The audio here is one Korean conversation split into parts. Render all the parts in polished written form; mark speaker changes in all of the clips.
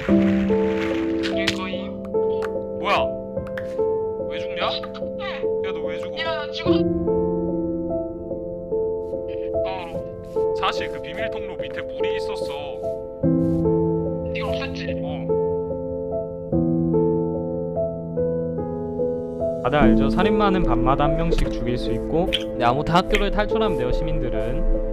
Speaker 1: 죽일 거임. 뭐야? 왜 죽냐? 야 너 왜 죽어?
Speaker 2: 야, 나 죽어.
Speaker 1: 사실 그 비밀 통로 밑에 물이 있었어.
Speaker 2: 네가 없었지?
Speaker 3: 다들 알죠? 살인마는 밤마다 한 명씩 죽일 수 있고, 네, 아무튼 학교를 탈출하면 돼요, 시민들은.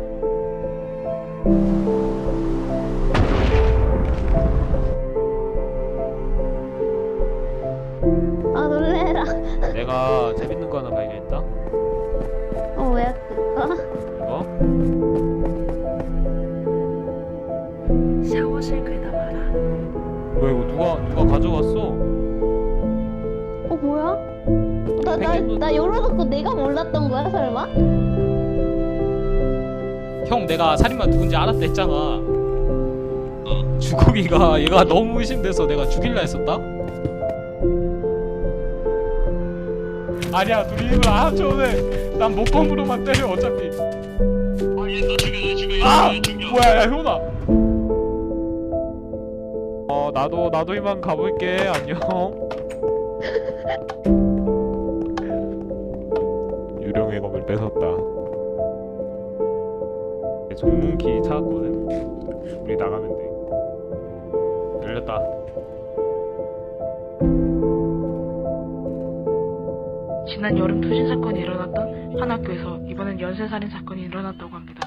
Speaker 4: 아 놀래라.
Speaker 3: 내가 재밌는 거 하나 발견했다.
Speaker 4: 뭐야 그거?
Speaker 3: 이거?
Speaker 5: 샤워실 괴담하라.
Speaker 3: 뭐야 이거 누가 가져갔어?
Speaker 4: 뭐야? 나 열어놓고 내가 몰랐던 거야 설마?
Speaker 3: 형 내가 살인마 누군지 알았다 했잖아. 주국이가 얘가 너무 의심돼서 내가 죽일라 했었다? 아니야 둘이 힘을 안 합쳐오네. 난 목검으로만 때려 어차피.
Speaker 2: 얘너 죽여, 너 죽여,
Speaker 3: 아!
Speaker 2: 얘 죽여.
Speaker 3: 뭐야 야 효나. 나도 이만 가볼게. 안녕. 유령의 검을 뺏었다. 전문키 찾았거든. 우리 나가면 돼. 열렸다.
Speaker 5: 지난 여름 투신 사건이 일어났던 한 학교에서 이번엔 연쇄살인 사건이 일어났다고 합니다.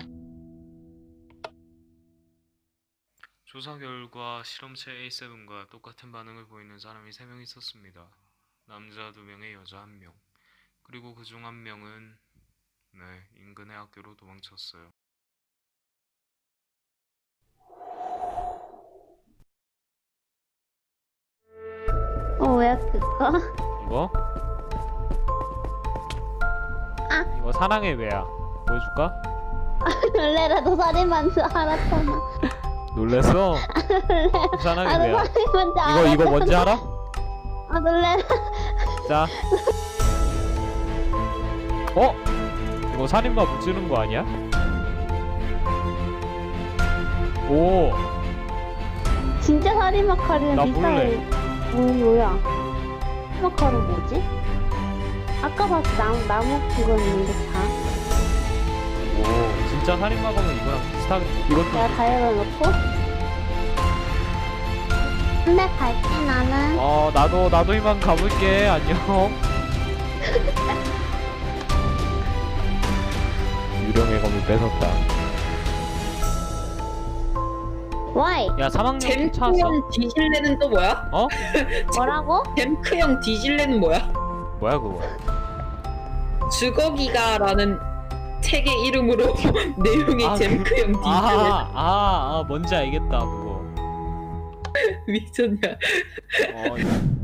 Speaker 1: 조사 결과 실험체 A7과 똑같은 반응을 보이는 사람이 3명 있었습니다. 남자 2명에 여자 1명. 그리고 그중 1명은 인근의 학교로 도망쳤어요.
Speaker 4: 뭐야 그거?
Speaker 3: 이거?
Speaker 4: 아.
Speaker 3: 이거 사랑의 외야. 보여줄까?
Speaker 4: 놀래라 너 살인마인 줄 알았잖아.
Speaker 3: 놀랬어?
Speaker 4: 놀래라.
Speaker 3: 사랑의
Speaker 4: 너
Speaker 3: 외야.
Speaker 4: 살인마인 줄 알았잖아.
Speaker 3: 이거 뭔지 알아?
Speaker 4: 놀래라.
Speaker 3: 자. 이거 살인마 무찌르는 거 아니야? 오.
Speaker 4: 진짜 살인마 칼이랑
Speaker 3: 나
Speaker 4: 비슷해. 뭐야? 살인마 칼은 뭐지? 아까 봤어 나무 그거 있는데 다.
Speaker 3: 오. 진짜 살인마 검은 이거랑 비슷하게. 이것도.
Speaker 4: 내가 다 열어놓고. 근데 갈게 나는.
Speaker 3: 나도 이만 가볼게. 안녕. 유령의 검을 뺏었다.
Speaker 4: Why?
Speaker 3: 야 3학년 찾았어?
Speaker 6: 잼크형 디실레는 또 뭐야?
Speaker 3: 어?
Speaker 4: 뭐라고?
Speaker 6: 잼크형 디실레는 뭐야?
Speaker 3: 뭐야 그거?
Speaker 6: 주거기가라는 책의 이름으로 내용이 잼크형 디실레.
Speaker 3: 뭔지 알겠다 그거.
Speaker 6: 미쳤냐?